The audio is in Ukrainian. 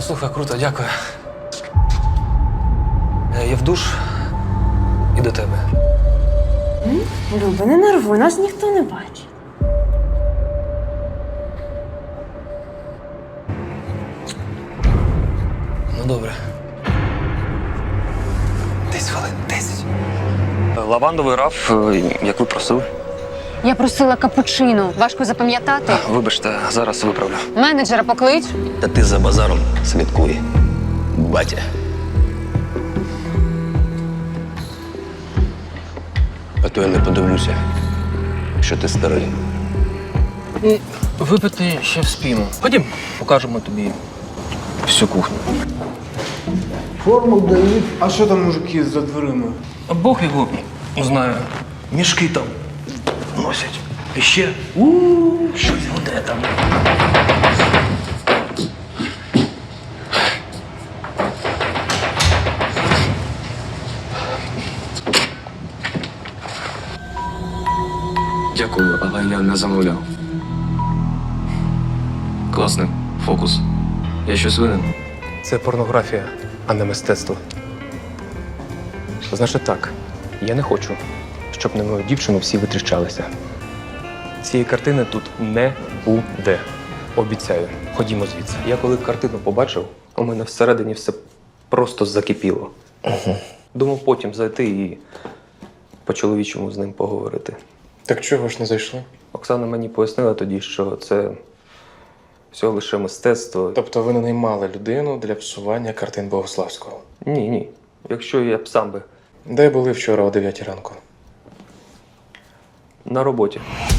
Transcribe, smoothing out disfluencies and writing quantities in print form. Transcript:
Слухай, круто, дякую. Я в душ і до тебе. Люба, не нервуй, нас ніхто не бачить. Ну, добре. 10 хвилин, 10. Лавандовий раф, як ви просили. Я просила капучино. Важко запам'ятати. Вибачте, зараз виправлю. Менеджера поклич. Та ти за базаром слідкуй, батя. А то я не подивлюся, що ти старий. Випити ще вспіємо. Ходім, покажемо тобі всю кухню. Форму дають. А що там мужики за дверима? А Бог його знає. Мішки там носять. І ще щось гуде там. Дякую, але я не замовляв. Класний фокус. Я щось винен. Це порнографія, а не мистецтво. Значить так, я не хочу, щоб на мою дівчину всі витріщалися. Цієї картини тут не буде. Обіцяю. Ходімо звідси. Я коли картину побачив, у мене всередині все просто закипіло. Думав потім зайти і по-чоловічому з ним поговорити. Так чого ж не зайшли? Оксана мені пояснила тоді, що це всього лише мистецтво. Тобто ви не наймали людину для псування картин Богославського? Ні. Якщо я б сам би Де були вчора о 9 ранку? на роботі.